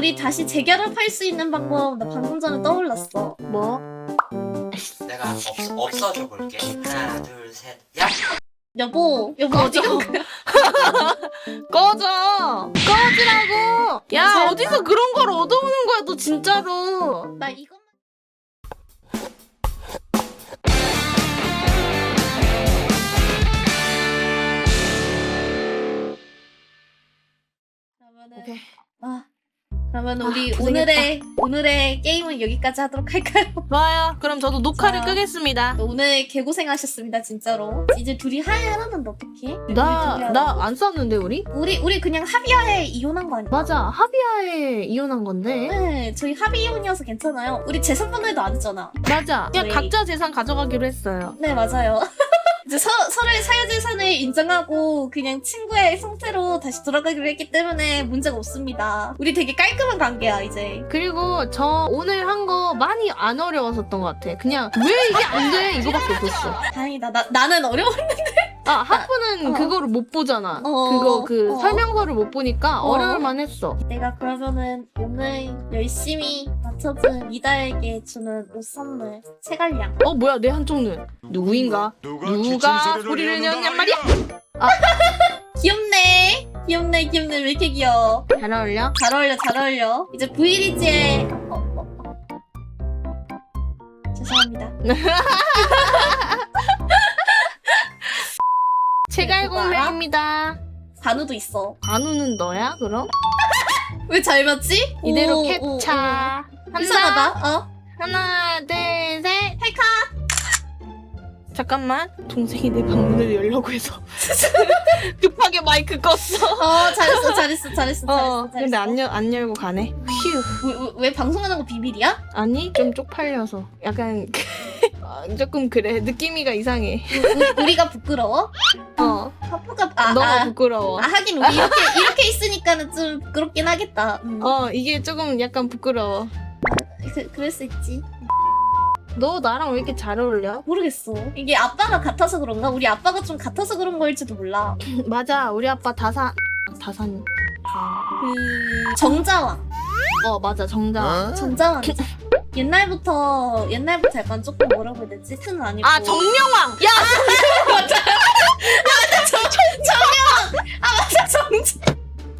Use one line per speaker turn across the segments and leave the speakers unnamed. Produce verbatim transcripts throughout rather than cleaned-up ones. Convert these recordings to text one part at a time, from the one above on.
우리 다시 재결합할 수 있는 방법 나 방금 전에 떠올랐어.
뭐?
내가 없, 없어져 볼게. 하나, 둘, 셋, 야!
여보, 여보 어디 간 거야?
꺼져! 꺼지라고! 야,
괜찮아.
어디서 그런 걸 얻어오는 거야, 너 진짜로.
나 이것만. 그러면은
오케이.
아 그러면
아,
우리
고생했다.
오늘의 오늘의 게임은 여기까지 하도록 할까요?
좋아요. 그럼 저도 녹화를
자.
끄겠습니다.
오늘 개고생하셨습니다 진짜로. 이제 둘이 하야라는데 어떡해?
나,
우리 둘이
나
하라고?
안 쌌는데, 우리?
우리 우리 그냥 합의하에 이혼한 거 아니야?
맞아. 합의하에 이혼한 건데.
네, 저희 합의 이혼이어서 괜찮아요. 우리 재산 분할도 안 했잖아.
맞아. 그냥
네.
각자 재산 가져가기로 했어요.
네, 맞아요. 이제 서, 서로의 사유재산을 인정하고 그냥 친구의 상태로 다시 돌아가기로 했기 때문에 문제가 없습니다. 우리 되게 깔끔한 관계야, 이제.
그리고 저 오늘 한 거 많이 안 어려웠었던 것 같아. 그냥 왜 이게 안 돼? 이거밖에 없었어.
다행이다. 나, 나는 어려워.
아, 하프는
어.
그거를 못 보잖아.
어.
그거 그
어.
설명서를 못 보니까
어.
어. 려울만 했어.
내가 그러면은 오늘 열심히 맞춰준 미다에게 주는 옷 선물, 체갈량.
어, 뭐야, 내 한쪽 눈. 누구인가? 누가 소리를 내었냔 말이야?
귀엽네. 귀엽네, 귀엽네. 왜 이렇게 귀여워?
잘 어울려?
잘 어울려, 잘 어울려. 이제 브이리지에 어, 어, 어. 죄송합니다.
제갈공매입니다.
반우도 있어.
반우는 너야, 그럼?
왜 잘 맞지?
이대로
오,
캡차.
오, 오.
하나,
이상하다. 어?
하나, 둘, 셋.
헬카.
잠깐만. 동생이 내 방문을 열려고 해서 급하게 마이크 껐어.
어, 잘했어, 잘했어, 잘했어,
어,
잘했어.
근데 안, 열, 안 열고 가네. 휴.
왜, 왜, 왜 방송하는 거 비밀이야?
아니, 좀 쪽팔려서. 약간 아, 조금 그래. 느낌이가 이상해.
우, 우리가 부끄러워?
어,
하프가 아,
너가
아,
부끄러워.
아 하긴 우리 이렇게 이렇게 있으니까는 좀 부끄럽긴 하겠다. 음.
어, 이게 조금 약간 부끄러워.
그, 그럴 수 있지.
너 나랑 왜 이렇게 잘 어울려?
모르겠어. 이게 아빠가 같아서 그런가? 우리 아빠가 좀 같아서 그런 거일지도 몰라.
맞아, 우리 아빠 다산 다산.
그 정자왕,
어, 맞아, 정자.
정자왕. 옛날부터 옛날부터 약간 조금 뭐라고 해야 되지? 트는 아니고.
아, 정명왕. 야,
맞아. 맞아, 정 정명. 아 맞아, 정자.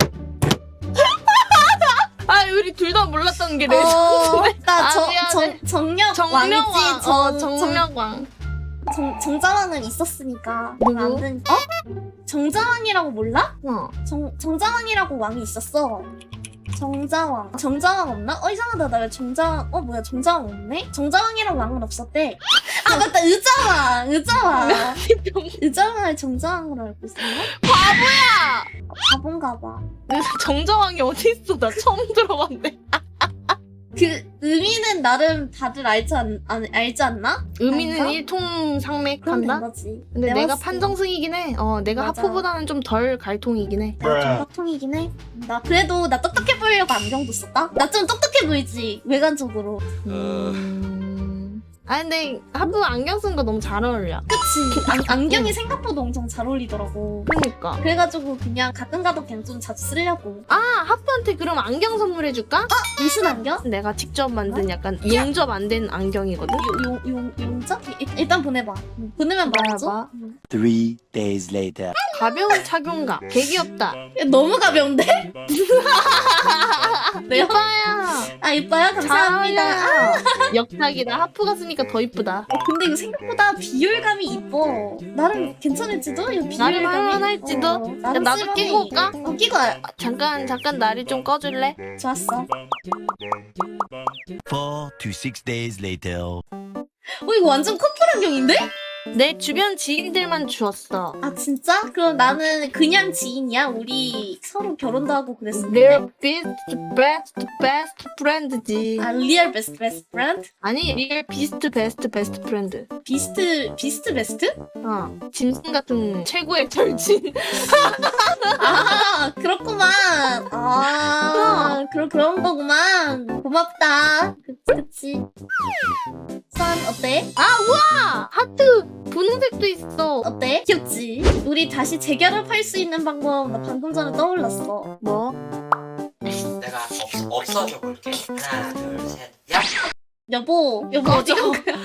아, 우리 둘 다 몰랐던 게
어,
레전드네. 아,
나정
미안해.
정 정력
정명왕.
왕이지. 정,
어,
정,
정명왕.
정, 정자왕은 있었으니까.
누구?
안 된- 어? 정자왕이라고 몰라?
어.
정, 정자왕이라고 왕이 있었어. 정자왕. 정자왕 없나? 어, 이상하다. 나 왜 정자왕, 어, 뭐야, 정자왕 없네? 정자왕이랑 왕은 없었대. 아, 맞다. 의자왕. 의자왕. 의자왕을 정자왕으로 알고 있었나?
바보야.
아, 바본가 봐.
정자왕이 어디 있어? 나 처음 들어봤네.
그, 의미는 나름 다들 알지, 않, 안, 알지 않나?
의미는
아닌가? 그럼 된
일통상맥한다.
거지.
근데 내가
봤을 때.
판정승이긴 해. 어, 내가
맞아.
하프보다는 좀 덜 갈통이긴 해.
정각통이긴 해. 나 그래도 나 똑똑해 보이려고 안경도 썼다? 나 좀 똑똑해 보이지, 외관적으로.
음... 아, 근데 하프 안경 쓴 거 너무 잘 어울려.
그치? 안, 안경이 생각보다 엄청 잘 어울리더라고.
그러니까.
그래가지고 그냥 가끔 가도 그냥 좀 자주 쓰려고.
아, 하프한테 그럼 안경 선물해줄까?
무슨 안경?
내가 직접 만든 약간 용접 안 된 안경이거든?
용, 용, 용자? 일- 일단 보내봐. 응. 보내면 말하죠.
말해봐.
응.
Three days later.
가벼운 착용감. 개 귀엽다.
야, 너무 가벼운데? 왜요?
이뻐야.
아, 이뻐요? 감사합니다. 아,
역작이다. 하프가 쓰니까 더 이쁘다.
어, 근데 이거 생각보다 비율감이 이뻐. 나름 괜찮을지도? 이거 비율감이.
나름 할만할지도?
어,
야,
나름
나도
쓸만해.
끼고 올까?
어, 끼고 와.
잠깐, 잠깐 나를 좀 꺼줄래?
좋았어.
Four to six days later.
어, 이거 완전 커플 안경인데?
내 주변 지인들만 주었어.
아, 진짜? 그럼 나는 그냥 지인이야? 우리 서로 결혼도 하고 그랬었는데.
Real best, best, best friend지.
아, 리얼 베스트 베스트 프렌드?
아니, real beast, best, best friend.
비스트, 비스트 베스트?
어, 짐승 같은 최고의 절친.
아, 그렇구만. 아, 그런, 그런 거구만. 고맙다. 그치, 그치. 선, 어때? 아,
아, 하트 분홍색도 있어.
어때? 귀엽지? 우리 다시 재결합할 수 있는 방법 나 방금 전에 떠올랐어.
뭐?
내가 없, 없어져 볼게. 하나, 둘, 셋, 야!
여보 여보 어디 간 거야?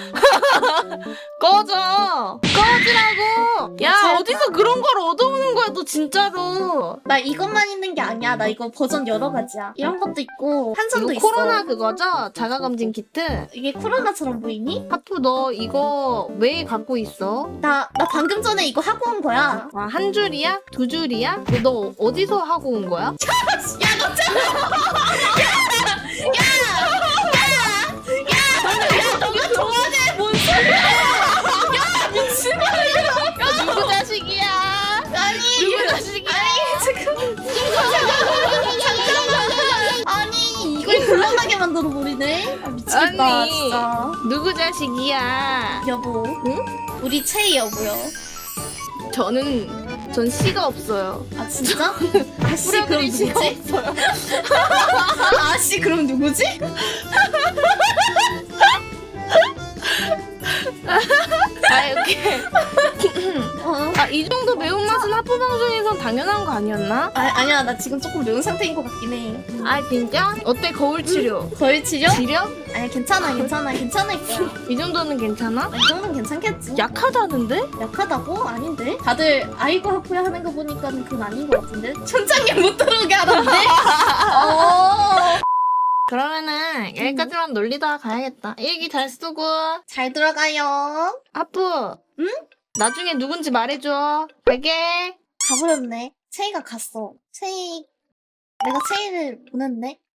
꺼져! 꺼지라고! 야,
잘
어디서 그런 걸 얻어오는 거야, 너 진짜로.
나 이것만 있는 게 아니야. 나 이거 버전 여러 가지야. 이런 것도 있고 한성도
이거
있어.
코로나 그거죠? 자가검진 키트?
이게 코로나처럼 보이니?
하프 너 이거 왜 갖고 있어?
나 나 방금 전에 이거 하고 온 거야.
아, 한 줄이야? 두 줄이야? 너 어디서 하고 온 거야?
야너 참. 너가 좋아해 뭔 소리야? 야 미친놈이야.
야, 누구 자식이야?
아니
누구 자식이야?
지금 잠깐만. 아니 이걸 곤란하게 만들어 버리네. 아, 미치겠다
아니.
진짜.
누구 자식이야?
여보.
응?
우리 채이 여보요.
저는, 전 씨가 없어요.
아 진짜? 아씨 그럼
뿌려드릴 씨가
누구지?
없어요.
아씨 그럼 누구지?
아, 이렇게.
어.
아, 이 정도 매운맛은 하프 방송에선 당연한 거 아니었나?
아 아니야 나 지금 조금 매운 상태인 것 같긴 해.
아, 진짜? 어때, 거울 치료?
거의 치료?
치료?
아니야 괜찮아 괜찮아 괜찮을 거야.
이 정도는 괜찮아?
아, 이 정도는 괜찮겠지.
약하다는데?
약하다고? 아닌데? 다들 아이고 하프야 하는 거 보니까 그건 아닌 것 같은데? 천장에 못 들어오게 하던데? 어.
그러면은 여기까지만 놀리다가 가야겠다. 일기 잘 쓰고.
잘 들어가요.
하프.
응?
나중에 누군지 말해줘. 갈게.
가버렸네. 채이가 갔어. 채이 내가 채이를 보냈네.